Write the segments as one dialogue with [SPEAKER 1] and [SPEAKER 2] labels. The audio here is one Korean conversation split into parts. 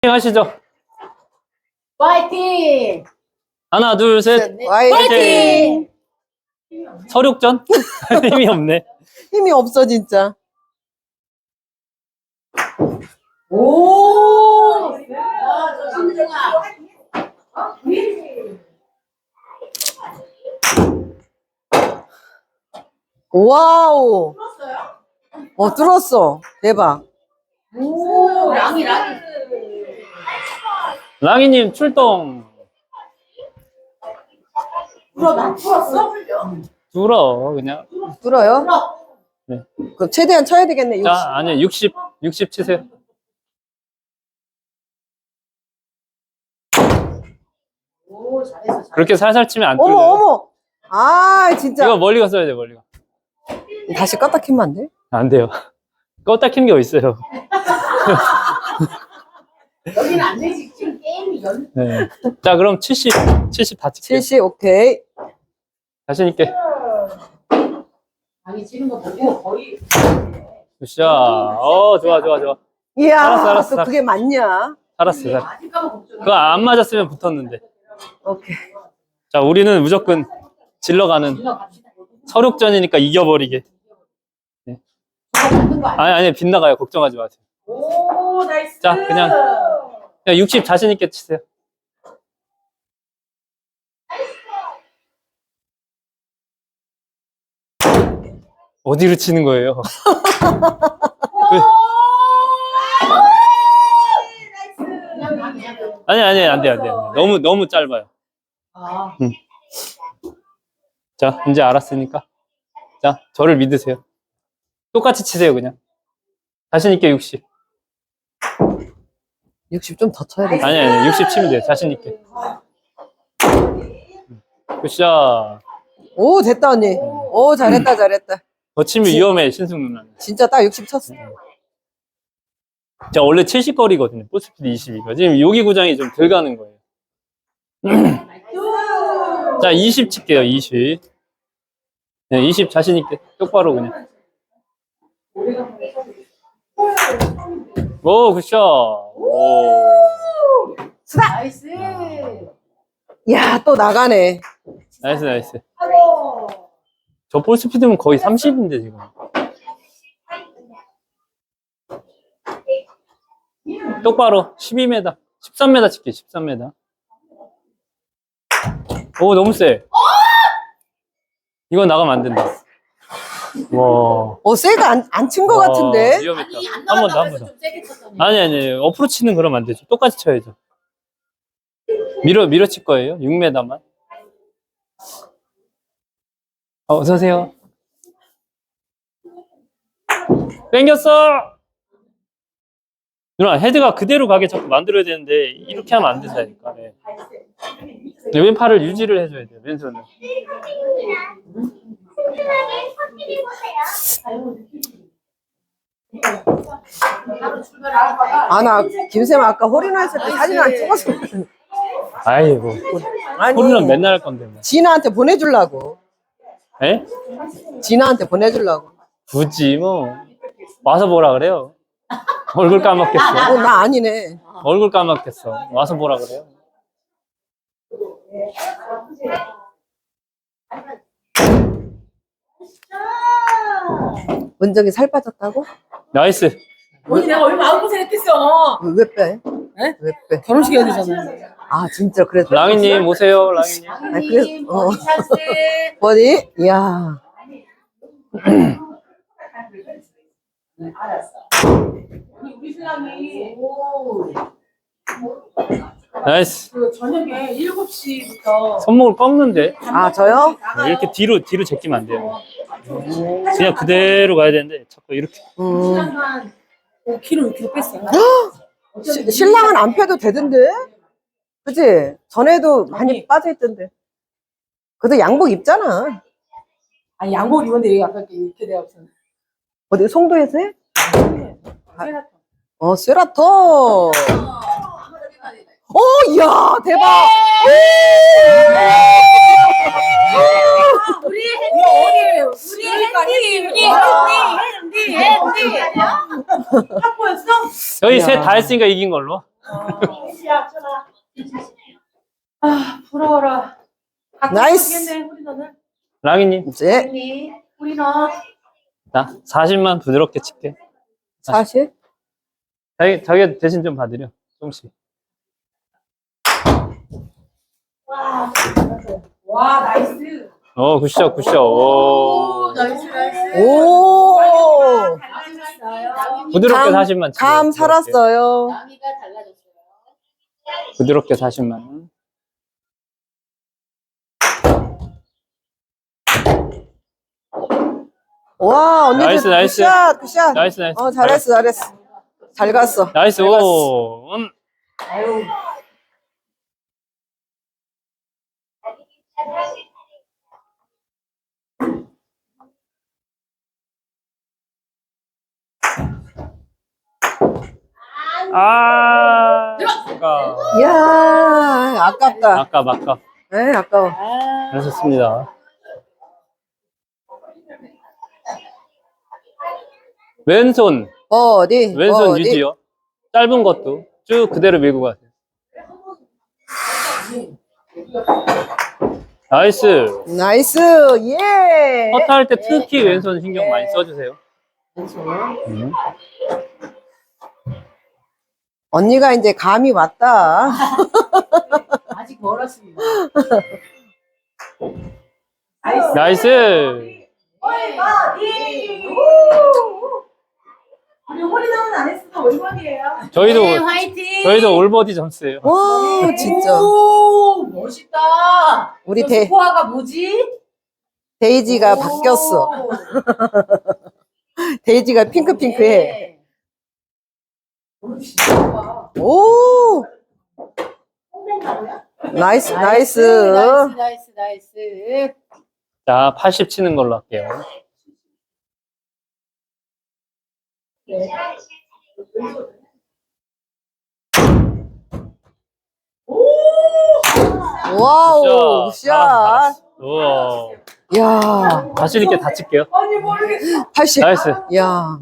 [SPEAKER 1] 하시죠.
[SPEAKER 2] 화이팅!
[SPEAKER 1] 하나, 둘, 셋.
[SPEAKER 2] 화이팅!
[SPEAKER 1] 서륙전? 힘이 없네.
[SPEAKER 3] 힘이 없어 진짜.
[SPEAKER 2] 오! 신중아.
[SPEAKER 3] 와우. 뚫었어. 대박.
[SPEAKER 2] 오, 랑이.
[SPEAKER 1] 랑이님 출동.
[SPEAKER 2] 풀었어?
[SPEAKER 1] 뚫어, 그냥.
[SPEAKER 3] 뚫어요?
[SPEAKER 1] 네.
[SPEAKER 3] 그럼 최대한 쳐야 되겠네. 60.
[SPEAKER 1] 자, 아니, 60 치세요.
[SPEAKER 2] 오, 잘했어.
[SPEAKER 1] 그렇게 살살 치면 안
[SPEAKER 3] 어머
[SPEAKER 1] 뚫려요.
[SPEAKER 3] 어머. 아 진짜.
[SPEAKER 1] 이거 멀리 갔어야 돼, 멀리 가.
[SPEAKER 3] 다시 껐다 키면 안 돼?
[SPEAKER 1] 안 돼요. 껐다 키는 게 어딨어요.
[SPEAKER 2] 여기는 안 되지. 지금 게임이
[SPEAKER 1] 네. 자, 그럼 70 다 칠게요.
[SPEAKER 3] 70 오케이.
[SPEAKER 1] 자신있게.
[SPEAKER 2] 아니, 치는 거 보고 거의.
[SPEAKER 1] 굿샷. 좋아.
[SPEAKER 3] 이야
[SPEAKER 1] 알았어.
[SPEAKER 3] 또 그게 맞냐?
[SPEAKER 1] 살았어.
[SPEAKER 2] 아직까지 걱정.
[SPEAKER 1] 그거 안 맞았으면 붙었는데.
[SPEAKER 3] 오케이.
[SPEAKER 1] 자, 우리는 무조건 질러가는 서륙전이니까 이겨버리게.
[SPEAKER 2] 맞는 거 아니야?
[SPEAKER 1] 아니, 빗나가요. 걱정하지 마세요.
[SPEAKER 2] 오, 나이스.
[SPEAKER 1] 자, 그냥 60 자신있게 치세요. 어디로 치는 거예요? 아니, 안 돼. 너무 짧아요.
[SPEAKER 2] 아,
[SPEAKER 1] 자, 이제 알았으니까. 자, 저를 믿으세요. 똑같이 치세요, 그냥. 자신있게 60.
[SPEAKER 3] 60 좀 더 쳐야 돼.
[SPEAKER 1] 아니, 60 치면 돼요. 자신있게. 굿샷.
[SPEAKER 3] 오 됐다 언니. 오 잘했다.
[SPEAKER 1] 더 치면 위험해, 신승 누나는.
[SPEAKER 3] 진짜 딱 60 쳤어.
[SPEAKER 1] 자, 원래 70거리거든요. 볼스피드 22가. 지금 여기 구장이 좀 덜 가는 거예요. 자, 20 칠게요, 20. 네, 20 자신있게. 똑바로 그냥. 오, 굿샷. 오.
[SPEAKER 2] 나이스.
[SPEAKER 3] 이야 또 나가네.
[SPEAKER 1] 나이스. 저 볼스피드면 거의 30인데, 지금. 똑바로 12m, 13m 칠게, 13m. 오, 너무 세. 이건 나가면 안 된다. 와.
[SPEAKER 3] 세가 안 친 거 같은데.
[SPEAKER 1] 위험했다.
[SPEAKER 2] 아니, 안
[SPEAKER 1] 한 번 더,
[SPEAKER 2] 나간다고 해서 좀 세게 쳤더니.
[SPEAKER 1] 아니. 어프로치는 그러면 안 되죠. 똑같이 쳐야죠. 밀어 칠 거예요. 6m만. 어서오세요. 땡겼어! 누나, 헤드가 그대로 가게 자꾸 만들어야 되는데, 이렇게 하면 안 된다니까. 네. 왼팔을 유지를 해줘야 돼요, 왼손은.
[SPEAKER 3] 아 나 김쌤 아까 홀인원 했을 때 사진 안 찍었어.
[SPEAKER 1] 아이고.
[SPEAKER 3] 아니
[SPEAKER 1] 홀은 맨날 할 건데. 뭐.
[SPEAKER 3] 진아한테 보내주려고.
[SPEAKER 1] 에?
[SPEAKER 3] 진아한테 보내주려고.
[SPEAKER 1] 굳이 뭐. 와서 보라 그래요. 얼굴 까먹겠어.
[SPEAKER 3] 나 아니네.
[SPEAKER 1] 얼굴 까먹겠어. 와서 보라 그래요.
[SPEAKER 3] 은정이 살 빠졌다고?
[SPEAKER 1] 나이스.
[SPEAKER 2] 언니 내가 얼마 마음고생했겠어.
[SPEAKER 3] 왜 빼?
[SPEAKER 2] 에?
[SPEAKER 3] 왜 빼?
[SPEAKER 2] 결혼식 해야 되잖아요.
[SPEAKER 3] 아 진짜 그래서.
[SPEAKER 1] 랑이님 오세요, 랑이님.
[SPEAKER 3] 아니, 그래서-
[SPEAKER 2] 어디 찬스.
[SPEAKER 3] 어디? 이야.
[SPEAKER 2] 알았어. 우리 신랑이
[SPEAKER 1] 나이스.
[SPEAKER 2] 그 저녁에 7시부터
[SPEAKER 1] 손목을 꺾는데
[SPEAKER 3] 아 저요?
[SPEAKER 1] 이렇게 뒤로 제끼면 안 돼요. 그냥 그대로 가야 되는데 자꾸 이렇게.
[SPEAKER 2] 신랑한 5kg, 6kg 뺐어요.
[SPEAKER 3] 신랑은 안 패도 되던데? 그치? 전에도 많이
[SPEAKER 2] 언니.
[SPEAKER 3] 빠져있던데. 그래도 양복 입잖아.
[SPEAKER 2] 아니 양복 입었는데 여기 아까 이렇게 돼요.
[SPEAKER 3] 어디 송도에서 해?
[SPEAKER 2] 세라토.
[SPEAKER 3] 세라토. 이야 대박.
[SPEAKER 2] 우리 핸디. 확보였어?
[SPEAKER 1] 저희
[SPEAKER 3] 야.
[SPEAKER 1] 셋 다 했으니까 이긴 걸로.
[SPEAKER 2] 아, 부러워라.
[SPEAKER 3] 나이스.
[SPEAKER 2] 우리 너는.
[SPEAKER 1] 랑이님,
[SPEAKER 3] 이제
[SPEAKER 2] 우리 너.
[SPEAKER 1] 나 40만 부드럽게 칠게.
[SPEAKER 3] 40.
[SPEAKER 1] 자기 대신 좀 봐드려. 조금씩.
[SPEAKER 2] 와, 나이스.
[SPEAKER 1] 굿샷, 굿샷. 오.
[SPEAKER 2] 나이스.
[SPEAKER 3] 오.
[SPEAKER 2] 달라졌어요.
[SPEAKER 1] 부드럽게
[SPEAKER 3] 감-
[SPEAKER 1] 40만 칠게.
[SPEAKER 3] 감
[SPEAKER 1] 부드럽게.
[SPEAKER 3] 살았어요.
[SPEAKER 2] 남이가 달라졌어요.
[SPEAKER 1] 부드럽게 40만.
[SPEAKER 3] 와, 언니.
[SPEAKER 1] 나이스, 나이스.
[SPEAKER 3] 굿샷, 굿샷.
[SPEAKER 1] 나이스, 나이스.
[SPEAKER 3] 잘했어, 잘했어. 잘 갔어.
[SPEAKER 1] 나이스,
[SPEAKER 3] 잘 갔어.
[SPEAKER 1] 오.
[SPEAKER 2] 아유.
[SPEAKER 3] 이야, 아깝다.
[SPEAKER 1] 아까.
[SPEAKER 3] 네, 아까워.
[SPEAKER 1] 잘하셨습니다. 왼손
[SPEAKER 3] 어디?
[SPEAKER 1] 유지요. 짧은 것도 쭉 그대로 밀고 가세요. 나이스.
[SPEAKER 3] 나이스, 예.
[SPEAKER 1] 퍼터 할 때 특히 왼손 신경 많이 써주세요.
[SPEAKER 3] 언니가 이제 감이 왔다.
[SPEAKER 2] 아직 멀었습니다.
[SPEAKER 1] 나이스.
[SPEAKER 2] 우리 홀리나는 안 했어도 올버디예요.
[SPEAKER 1] 저희도 올버디 점수예요.
[SPEAKER 3] 와, 진짜.
[SPEAKER 2] 오, 멋있다.
[SPEAKER 3] 우리
[SPEAKER 2] 저 스코어가 뭐지?
[SPEAKER 3] 데이지가 바뀌었어. 데이지가 핑크핑크해. 오! 나이스, 나이스.
[SPEAKER 2] 나이스.
[SPEAKER 1] 자, 80 치는 걸로 할게요.
[SPEAKER 3] 와우, 굿샷.
[SPEAKER 1] 잘했어. 우와.
[SPEAKER 3] 야,
[SPEAKER 1] 자신 있게 다 칠게요.
[SPEAKER 2] 아니, 모르겠어.
[SPEAKER 3] 80.
[SPEAKER 1] 나이스.
[SPEAKER 3] 야,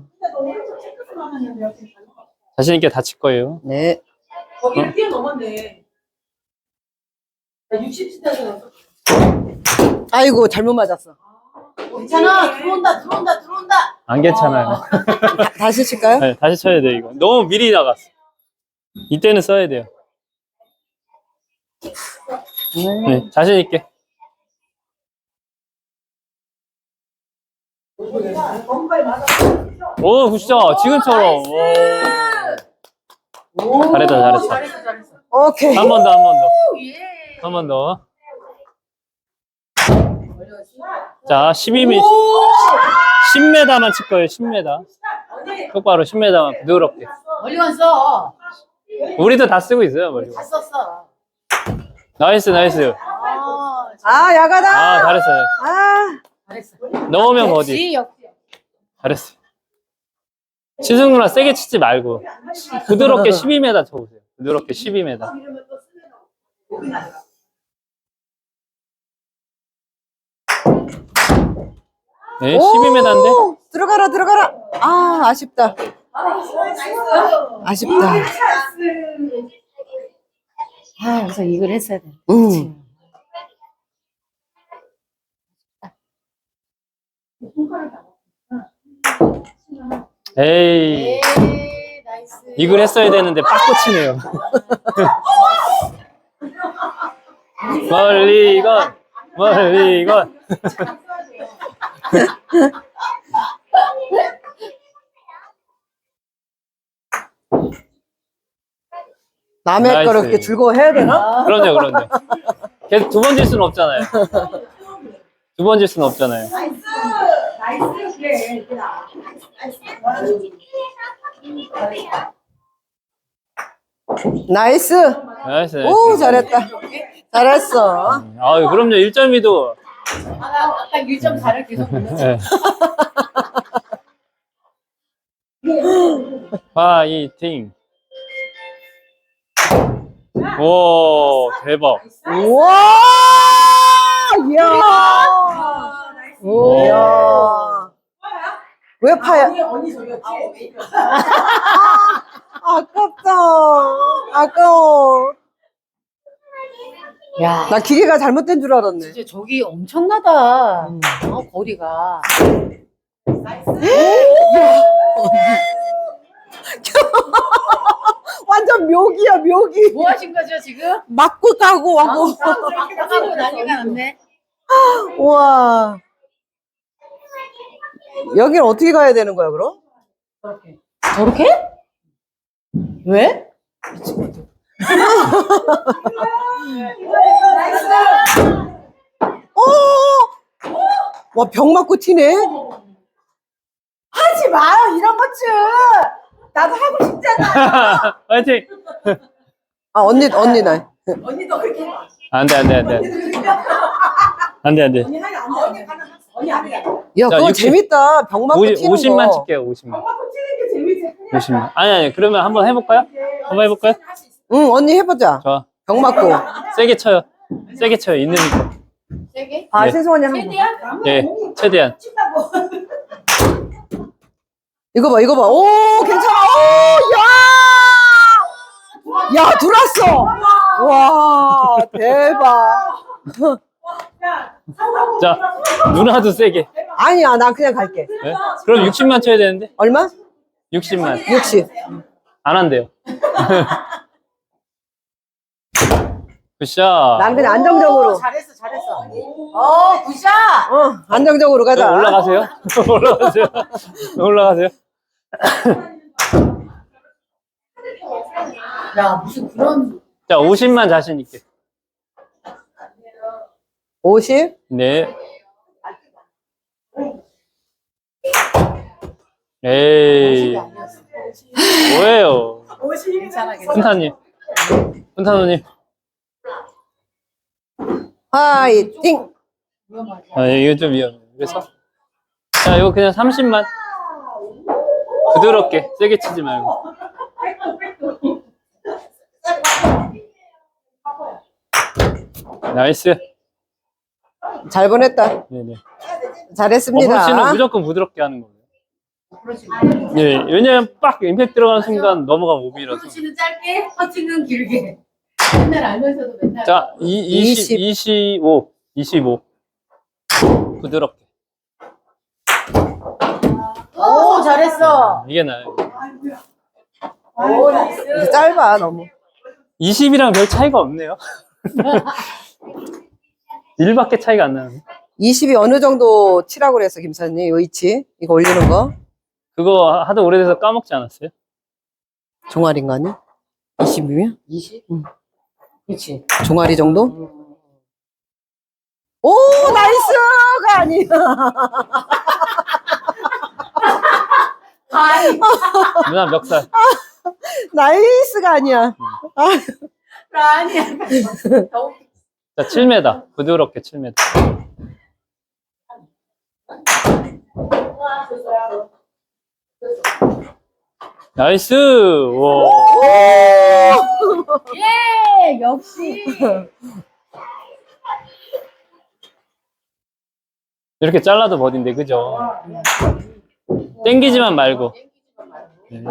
[SPEAKER 1] 자신 있게 다 칠 거예요.
[SPEAKER 3] 네.
[SPEAKER 2] 거기를 뛰어넘었네. 60cm에서.
[SPEAKER 3] 아이고, 잘못 맞았어.
[SPEAKER 2] 괜찮아. 들어온다.
[SPEAKER 1] 안 괜찮아요.
[SPEAKER 3] 다시 칠까요?
[SPEAKER 1] 네, 다시 쳐야 돼 이거. 너무 미리 나갔어. 이때는 써야 돼요. 네, 자신 있게. 오, 굿샷. 지금처럼. 오. 잘했다.
[SPEAKER 2] 잘했어.
[SPEAKER 3] 오케이.
[SPEAKER 1] 한 번 더.
[SPEAKER 2] 예.
[SPEAKER 1] 한 번 더. 자, 10m만 칠 거예요. 10m. 똑바로 10m만 부드럽게.
[SPEAKER 2] 멀리 왔어.
[SPEAKER 1] 우리도 다 쓰고 있어요. 멀리.
[SPEAKER 2] 다 썼어.
[SPEAKER 1] 나이스.
[SPEAKER 3] 아, 야가다.
[SPEAKER 1] 아, 잘했어요.
[SPEAKER 3] 아,
[SPEAKER 2] 잘했어.
[SPEAKER 1] 넣으면 어디?
[SPEAKER 2] 역시.
[SPEAKER 1] 잘했어. 치승 누나 세게 치지 말고 부드럽게 12m 쳐보세요. 부드럽게 12m. 네, 12m인데.
[SPEAKER 3] 들어가라. 아, 아쉽다. 아쉽다.
[SPEAKER 2] 아, 그래서 이걸 했어야 돼.
[SPEAKER 1] 에이,
[SPEAKER 2] 나이스.
[SPEAKER 1] 이걸 했어야 되는데 빠꾸 치네요. 멀리 건.
[SPEAKER 3] 남의
[SPEAKER 1] 나이스.
[SPEAKER 3] 거를 그렇게 들고 해야 되나?
[SPEAKER 1] 그럼요. 계속 두 번 질 수는 없잖아요.
[SPEAKER 2] 나이스. 그래.
[SPEAKER 3] 나이스.
[SPEAKER 1] 나이스.
[SPEAKER 3] 오, 잘했다. 잘했어.
[SPEAKER 1] 아유, 그럼요. 1.2도.
[SPEAKER 2] 아까 1.4를 계속 보냈어.
[SPEAKER 1] 파이팅. 오, 대박.
[SPEAKER 3] 우와! 이야!
[SPEAKER 1] 오.
[SPEAKER 3] 이야! 왜 파야?
[SPEAKER 2] 언니 저기였지?
[SPEAKER 3] 아깝다. 아까워.
[SPEAKER 2] 야,
[SPEAKER 3] 나 기계가 잘못된 줄 알았네.
[SPEAKER 2] 진짜 저기 엄청나다. 거리가.
[SPEAKER 3] 완전 묘기야, 묘기.
[SPEAKER 2] 뭐 하신 거죠, 지금?
[SPEAKER 3] 맞고 가고 하고.
[SPEAKER 2] 하고 난리가 났네.
[SPEAKER 3] 우와. 여긴 어떻게 가야 되는 거야, 그럼?
[SPEAKER 2] 저렇게? 왜?
[SPEAKER 3] 어! 와, 병 맞고 튀네.
[SPEAKER 4] 하지 마요 이런 것 좀. 나도 하고 싶잖아.
[SPEAKER 1] 화이팅!
[SPEAKER 3] 아, 언니 나.
[SPEAKER 4] 언니도 그렇게 해봐.
[SPEAKER 1] 안 돼, 안 돼, 안 돼. 안 돼, 안 돼.
[SPEAKER 4] 언니 하면 안 돼. 언니 하면 안 돼.
[SPEAKER 3] 야,
[SPEAKER 1] 자,
[SPEAKER 3] 그거
[SPEAKER 1] 60.
[SPEAKER 3] 재밌다. 병 맞고 튀는
[SPEAKER 1] 50만
[SPEAKER 3] 거.
[SPEAKER 1] 칠게요, 50만.
[SPEAKER 4] 엄마고 치는 게 재밌지.
[SPEAKER 1] 50만. 아니, 그러면 한번 해볼까요? 한번 해볼까요?
[SPEAKER 3] 응, 언니 해보자.
[SPEAKER 1] 좋아.
[SPEAKER 3] 병 맞고.
[SPEAKER 1] 세게 쳐요. 세게 쳐요, 있는 힘.
[SPEAKER 2] 세게?
[SPEAKER 3] 아,
[SPEAKER 1] 네.
[SPEAKER 3] 세수 언니 한번.
[SPEAKER 2] 최대한?
[SPEAKER 1] 예, 최대한.
[SPEAKER 4] 친다고.
[SPEAKER 3] 이거 봐, 이거 봐. 오, 괜찮아. 오, 야! 야, 들어왔어. 와, 대박.
[SPEAKER 1] 자, 누나도 세게.
[SPEAKER 3] 아니야, 나 그냥 갈게.
[SPEAKER 1] 네? 그럼 60만 쳐야 되는데?
[SPEAKER 3] 얼마?
[SPEAKER 1] 60만.
[SPEAKER 3] 60.
[SPEAKER 1] 안 한대요. 굿샷.
[SPEAKER 3] 난 그냥 안정적으로.
[SPEAKER 2] 잘했어. 굿샷!
[SPEAKER 3] 안정적으로 가자.
[SPEAKER 1] 올라가세요. 올라가세요. 올라가세요.
[SPEAKER 2] 야, 무슨 그런.
[SPEAKER 1] 자, 50만 자신 있게.
[SPEAKER 3] 50?
[SPEAKER 1] 네. 에이, 뭐예요?
[SPEAKER 2] 괜찮아.
[SPEAKER 1] 훈타님. 훈타노님.
[SPEAKER 3] 화이팅!
[SPEAKER 1] 아, 이거 좀 위험해. 그래서. 자, 이거 그냥 30만. 부드럽게, 세게 치지 말고. 나이스.
[SPEAKER 3] 잘 보냈다.
[SPEAKER 1] 네네.
[SPEAKER 3] 잘했습니다.
[SPEAKER 1] 어프로치는 무조건 부드럽게 하는 거예요. 네, 왜냐면 빡 임팩트 들어가는 순간 넘어가면 오비라서.
[SPEAKER 2] 터치는 짧게, 터치는 길게. 맨날 알면서도 맨날.
[SPEAKER 1] 자, 25. 부드럽게.
[SPEAKER 2] 오, 잘했어.
[SPEAKER 1] 이게 나아요.
[SPEAKER 2] 오, 나이스.
[SPEAKER 3] 이제 짧아, 너무.
[SPEAKER 1] 20이랑 별 차이가 없네요. 1밖에 차이가 안 나네.
[SPEAKER 3] 20이 어느 정도 치라고 그랬어, 김사님? 위치? 이거 올리는 거?
[SPEAKER 1] 그거 하도 오래돼서 까먹지 않았어요?
[SPEAKER 3] 종아리인가 아니? 20이면?
[SPEAKER 2] 20?
[SPEAKER 3] 응.
[SPEAKER 2] 그렇지.
[SPEAKER 3] 종아리 정도? 오, 나이스가 아니야.
[SPEAKER 2] 아이,
[SPEAKER 1] 누나 멱살.
[SPEAKER 3] 나이스가 아니야.
[SPEAKER 2] 아니야.
[SPEAKER 1] 자, 7m. 부드럽게 7m. 나이스! 와.
[SPEAKER 2] 예, 역시.
[SPEAKER 1] 이렇게 잘라도 버딘데, 그죠? 땡기지만 말고. 네.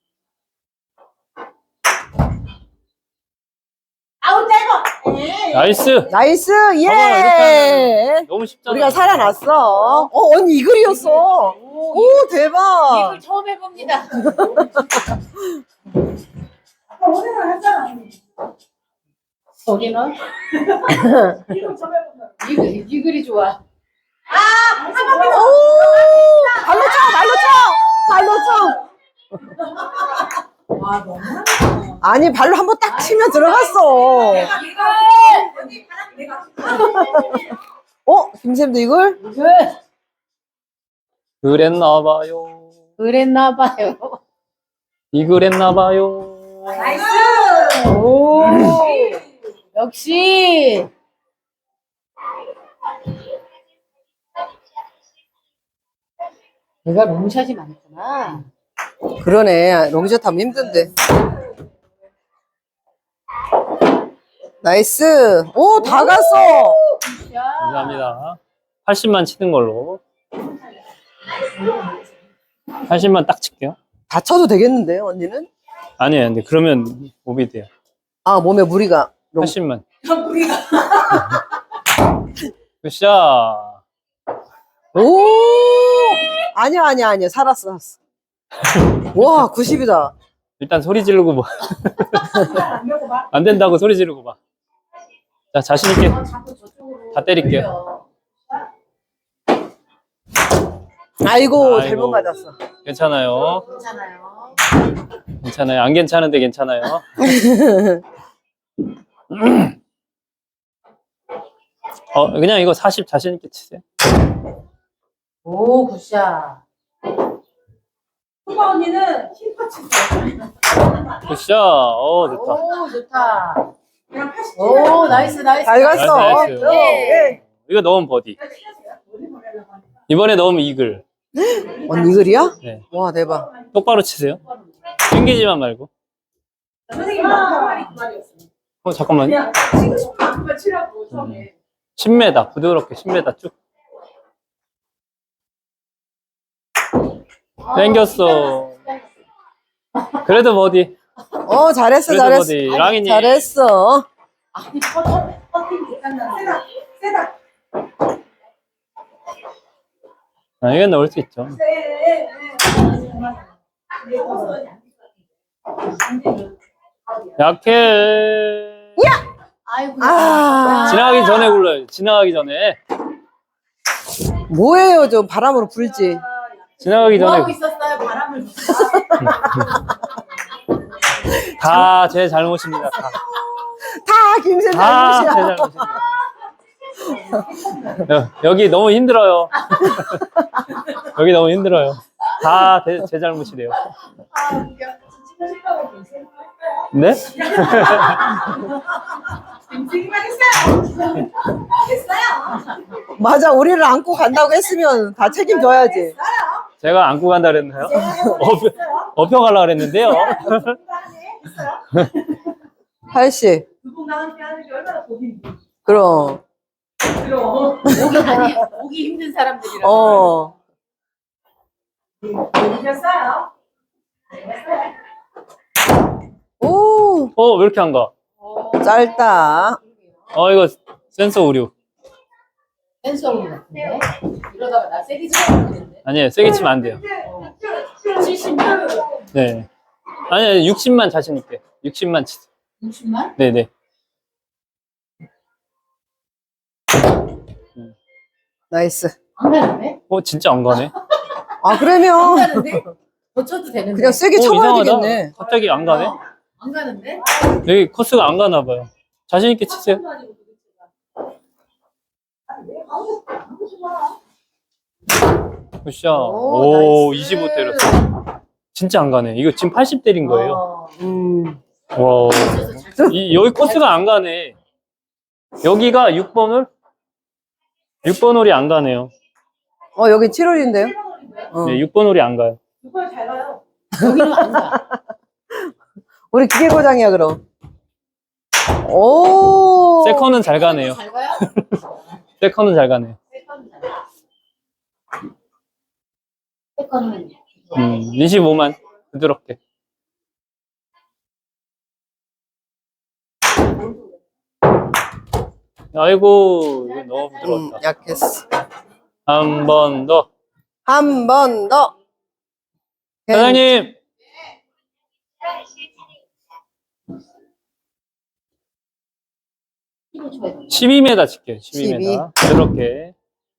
[SPEAKER 4] 아우 짧아.
[SPEAKER 1] 나이스!
[SPEAKER 3] 나이스, 예!
[SPEAKER 1] 봐봐, 이렇게 너무 쉽잖아.
[SPEAKER 3] 우리가 살아났어. 언니 이글이었어. 오, 대박.
[SPEAKER 2] 이걸 처음 해봅니다.
[SPEAKER 4] 아까 오늘은 했잖아.
[SPEAKER 2] 거기는?
[SPEAKER 4] 이거 좀 해보자.
[SPEAKER 2] 이글이 좋아.
[SPEAKER 3] 오! 발로 쳐! 발로 쳐!
[SPEAKER 4] 와 너무.
[SPEAKER 3] 아니, 발로 한번 딱 치면 들어갔어. 김쌤도 이걸?
[SPEAKER 1] 그랬나봐요.
[SPEAKER 2] 그랬나봐요.
[SPEAKER 1] 이그랬나봐요.
[SPEAKER 4] 나이스.
[SPEAKER 2] 오, 역시. 내가 롱샷이 많구나.
[SPEAKER 3] 그러네. 롱샷 하면 힘든데. 나이스. 오, 다 갔어.
[SPEAKER 2] 야,
[SPEAKER 1] 감사합니다. 80만 치는 걸로. 80만 딱 칠게요.
[SPEAKER 3] 다 쳐도 되겠는데, 언니는?
[SPEAKER 1] 아니에요. 근데 그러면 몸이 돼요.
[SPEAKER 3] 아, 몸에 무리가. 너무-
[SPEAKER 1] 80만.
[SPEAKER 2] 우리가
[SPEAKER 1] 굿샷.
[SPEAKER 3] 오! 아니야. 살았어. 와, 90이다.
[SPEAKER 1] 일단 소리 지르고 뭐.
[SPEAKER 4] 안 먹어봐.
[SPEAKER 1] 안 된다고 소리 지르고 봐. 자, 자신있게
[SPEAKER 2] 자꾸 저쪽으로
[SPEAKER 1] 다 때릴게요.
[SPEAKER 2] 돌려.
[SPEAKER 3] 아이고,
[SPEAKER 1] 아이고.
[SPEAKER 3] 잘못 맞았어.
[SPEAKER 1] 괜찮아요.
[SPEAKER 2] 괜찮아요.
[SPEAKER 1] 괜찮아요. 안 괜찮은데 괜찮아요. 그냥 이거 40 자신있게 치세요.
[SPEAKER 2] 오 굿샷.
[SPEAKER 4] 수바 언니는 힙합 치세요.
[SPEAKER 1] 굿샷. 좋다.
[SPEAKER 2] 오 좋다.
[SPEAKER 4] 그냥 80.
[SPEAKER 2] 오 나이스.
[SPEAKER 3] 잘 갔어.
[SPEAKER 1] 나이스, 나이스.
[SPEAKER 3] 예.
[SPEAKER 1] 이거 넣으면 버디. 이번에 넣으면 이글.
[SPEAKER 3] 언니 이글이야?
[SPEAKER 1] 네.
[SPEAKER 3] 와, 대박.
[SPEAKER 1] 똑바로 치세요. 튕기지만 말고.
[SPEAKER 4] 선생님 한 말이 그 말이었어요.
[SPEAKER 1] 잠깐만요.
[SPEAKER 4] 그냥 치고 싶은 만큼만 치라고 처음에.
[SPEAKER 1] 10m. 부드럽게 10m 쭉. 땡겼어. 그래도 버디.
[SPEAKER 3] 잘했어,
[SPEAKER 1] 그래도
[SPEAKER 3] 잘했어.
[SPEAKER 1] 버디. 랑이님.
[SPEAKER 3] 잘했어.
[SPEAKER 2] 아니 퍼팅
[SPEAKER 4] 세다, 세다.
[SPEAKER 1] 이건 넣을 수 있죠. 약해.
[SPEAKER 2] 아이고.
[SPEAKER 3] 아.
[SPEAKER 1] 지나가기 전에 굴러요. 지나가기 전에.
[SPEAKER 3] 뭐예요, 좀 바람으로 불지.
[SPEAKER 1] 지나가기
[SPEAKER 2] 뭐 하고
[SPEAKER 1] 전에.
[SPEAKER 2] 있었어요? 바람을
[SPEAKER 1] 다 제 잘못입니다. 다.
[SPEAKER 3] 다 김새
[SPEAKER 1] 다 제
[SPEAKER 3] 잘못이야.
[SPEAKER 1] 잘못입니다. 여기 너무 힘들어요. 여기 너무 힘들어요. 다 제 잘못이래요.
[SPEAKER 4] 아, 웃겨. 치고 싶다고 괜찮아요.
[SPEAKER 1] 네?
[SPEAKER 4] 인생만 했어요. 됐어요.
[SPEAKER 3] 맞아, 우리를 안고 간다고 했으면 다 책임져야지.
[SPEAKER 1] 제가 안고 간다 그랬나요? 업혀가려고 그랬는데요.
[SPEAKER 4] 했어요.
[SPEAKER 3] 80.
[SPEAKER 4] 두분 함께 하는 게 얼마나 고민이.
[SPEAKER 3] 그럼.
[SPEAKER 4] 그럼.
[SPEAKER 2] 오기 힘든 사람들이라.
[SPEAKER 4] 이겼어요.
[SPEAKER 3] 오,
[SPEAKER 1] 왜 이렇게 안 가?
[SPEAKER 3] 짧다.
[SPEAKER 1] 이거 센서 오류.
[SPEAKER 2] 센서로 같은데. 이러다가 나 세게 치는데.
[SPEAKER 1] 아니에요. 세게 치면 안 돼요.
[SPEAKER 2] 70만?
[SPEAKER 1] 네. 아니에요. 60만 자신있게. 60만 치세요.
[SPEAKER 2] 60만?
[SPEAKER 1] 네네.
[SPEAKER 3] 나이스.
[SPEAKER 2] 안 가는데?
[SPEAKER 1] 진짜 안 가네.
[SPEAKER 3] 아,
[SPEAKER 2] 안
[SPEAKER 3] 그러면
[SPEAKER 2] 가는데? 고쳐도 되는데.
[SPEAKER 3] 그냥 세게 쳐봐야 되겠네.
[SPEAKER 1] 갑자기 안 가네.
[SPEAKER 2] 안 가는데?
[SPEAKER 1] 여기 코스가 안 가나 봐요. 자신있게 치세요. 굿샷. 오, 25 때렸어. 진짜 안 가네. 이거 지금 80 때린 거예요. 와. 여기 코스가 안 가네. 여기가 6번 홀? 6번 홀이 안 가네요.
[SPEAKER 3] 여기 7월인데요?
[SPEAKER 1] 네, 6번 홀이 안 가요.
[SPEAKER 4] 이걸 잘 가요.
[SPEAKER 2] 여기는 안 가.
[SPEAKER 3] 우리 기계고장이야, 그럼. 오.
[SPEAKER 1] 세컨은 잘 가네요.
[SPEAKER 2] 잘 가요?
[SPEAKER 1] 세컨은 잘 가네요.
[SPEAKER 2] 세컨은
[SPEAKER 1] 25만. 부드럽게. 아이고, 이거 너무 부드러웠다.
[SPEAKER 3] 약했어.
[SPEAKER 1] 한 번 더.
[SPEAKER 3] 한 번 더.
[SPEAKER 1] 사장님!
[SPEAKER 2] 힘을 줘야 돼.
[SPEAKER 1] 12m 칠게요.
[SPEAKER 3] 12.
[SPEAKER 1] 12m. 부드럽게.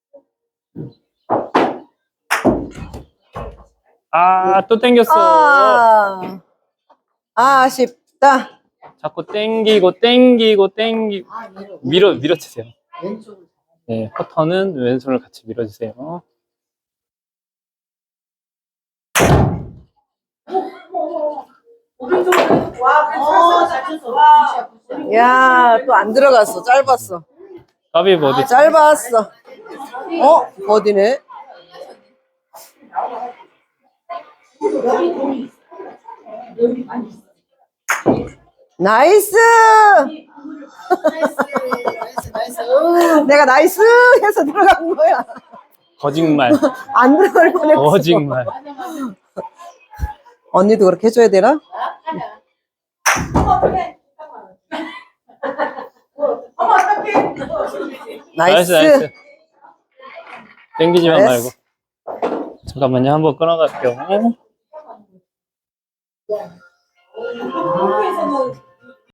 [SPEAKER 1] 또 땡겼어.
[SPEAKER 3] 아쉽다.
[SPEAKER 1] 자꾸 땡기고.
[SPEAKER 2] 아,
[SPEAKER 1] 밀어주세요.
[SPEAKER 2] 왼쪽으로.
[SPEAKER 1] 네, 커터는 왼손을 같이 밀어주세요.
[SPEAKER 4] 오른쪽으로. 와,
[SPEAKER 2] 잘
[SPEAKER 4] 그래서
[SPEAKER 2] 쳤어.
[SPEAKER 4] 와.
[SPEAKER 2] 굿샷, 굿샷.
[SPEAKER 3] 야, 또 안 들어갔어. 짧았어.
[SPEAKER 1] 까비 버디.
[SPEAKER 3] 짧았어. 버디네. 나이스!
[SPEAKER 2] 나이스.
[SPEAKER 3] 내가 나이스 해서 들어간 거야.
[SPEAKER 1] 거짓말.
[SPEAKER 3] 안 들어갈 뻔했어.
[SPEAKER 1] 거짓말.
[SPEAKER 2] 맞아.
[SPEAKER 3] 언니도 그렇게 해줘야 되나?
[SPEAKER 4] 어머 어떡해. 어머 어떡해.
[SPEAKER 3] 나이스.
[SPEAKER 1] 나이스. 땡기지만
[SPEAKER 3] 나이스.
[SPEAKER 1] 말고. 잠깐만요. 한번 끊어갈게요.
[SPEAKER 4] 한국에서는